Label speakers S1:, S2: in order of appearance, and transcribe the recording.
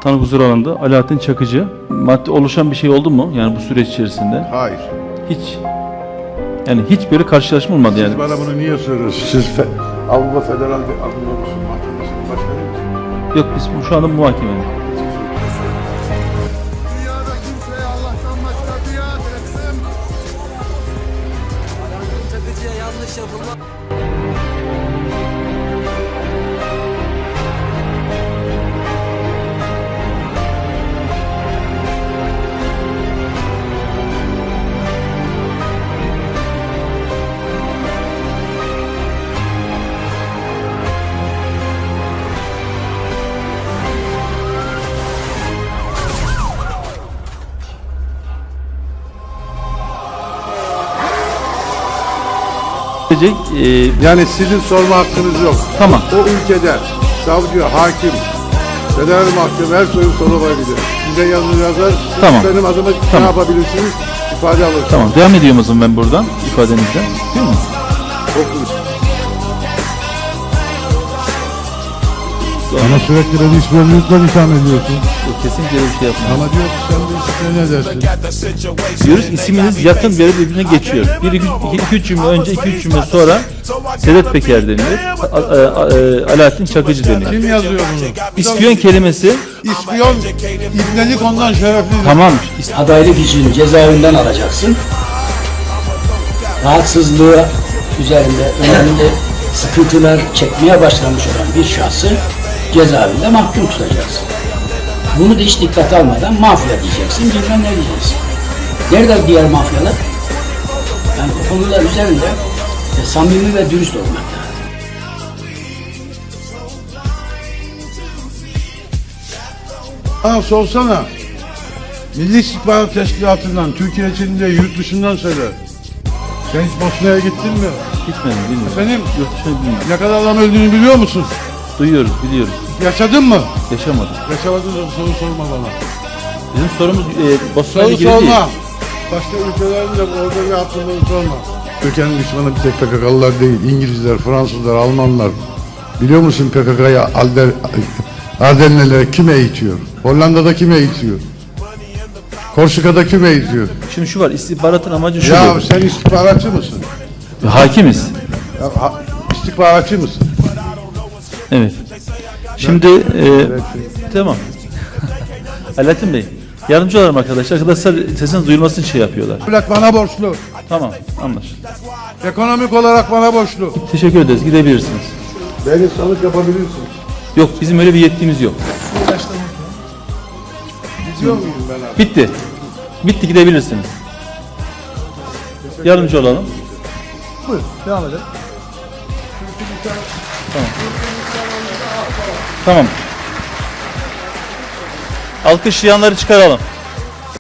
S1: Sanık huzur alanında Alaaddin Çakıcı. Madde oluşan bir şey oldu mu yani bu süreç içerisinde?
S2: Hayır.
S1: Hiç. Yani hiç böyle karşılaşma olmadı yani.
S2: Siz bana bunu niye soruyorsunuz? Siz Avrupa Federal Adliyatı'nın mahkemesinin başkanı mısınız?
S1: Yok biz şu anda muhakeme.
S3: Dünyada kimseye Allah'tan başka biat etmem.
S4: Alaaddin Çakıcı'ya yanlış yapılma.
S2: Yani sizin sorma hakkınız yok.
S1: Tamam.
S2: O ülkede savcı, hakim, federal mahkeme her soru sorulabilir. Size yazı yazar, siz
S1: Tamam.
S2: benim adıma ne
S1: Tamam.
S2: yapabilirsiniz? İfade alırsınız.
S1: Tamam devam ediyorum o zaman ben buradan ifadenizden. Değil mi?
S2: Okunuz.
S5: Bana sürekli beni işbirlikle itham ediyorsun.
S1: Yok, kesinlikle öyle bir şey yapmam.
S5: Ama diyor ki sen de işte ne dersin?
S1: Diyoruz isminiz yakın bir birbirine geçiyor. 2-3 cümle önce 2-3 cümle sonra Sedat Peker deniliyor. Alaaddin Çakıcı deniliyor.
S5: Kim yazıyor bunu?
S1: İspiyon kelimesi
S5: İspiyon, ibnelik ondan şereflidir.
S1: tamam.
S6: Adaylık için cezaevinden alacaksın. Rahatsızlığı üzerinde önemli sıkıntılar çekmeye başlamış olan bir şahsı cezaevinde mahkum tutacaksın. Bunu da hiç dikkate almadan mafya diyeceksin, bilmem ne diyeceksin. Nerede diğer mafyalar? Yani bu konular üzerinde samimi ve dürüst olmak lazım.
S5: Bana sorsana. Milli İstihbarat Teşkilatı'ndan, Türkiye içinde, yurt dışından söyle. Sen hiç Bosna'ya gittin mi?
S1: Gitmedim bilmiyorum.
S5: Benim
S1: Yurt dışına bilmiyorum.
S5: ne kadar adam öldüğünü biliyor musun?
S1: Duyuyoruz biliyoruz.
S5: Yaşadın mı?
S1: Yaşamadık.
S5: Yaşamadın da soru sorma bana.
S1: Bizim sorumuz Bosna'ya
S5: Soru
S1: ilgili değil.
S5: sorma. Başka ülkelerin de orada ne yaptığını sorma. Türkiye'nin düşmanı bir tek PKK'lılar değil. İngilizler, Fransızlar, Almanlar. Biliyor musun PKK'ya Ardenlilere kim eğitiyor? Hollanda'da kim eğitiyor? Korsika'da kim eğitiyor?
S1: Şimdi şu var istihbaratın amacı şu.
S5: Ya sen istihbaratçı mısın?
S1: Hakimiz.
S5: Ya, istihbaratçı mısın?
S1: Evet. Şimdi tamam. Alaaddin Bey yardımcı olalım arkadaşlar. Arkadaşlar sesiniz duyulması için şey yapıyorlar.
S5: Devlet bana borçlu.
S1: Tamam anlaşıldı.
S5: Ekonomik olarak bana borçlu.
S1: Teşekkür ederiz. Gidebilirsiniz.
S2: Beni sanık yapabilirsiniz.
S1: Yok bizim öyle bir yetkimiz yok.
S2: Gidiyor muyum ben abi?
S1: Bitti. Bitti gidebilirsiniz. Yardımcı olalım.
S5: Buyur, devam edelim.
S1: Tamam. Alkışlayanları çıkaralım.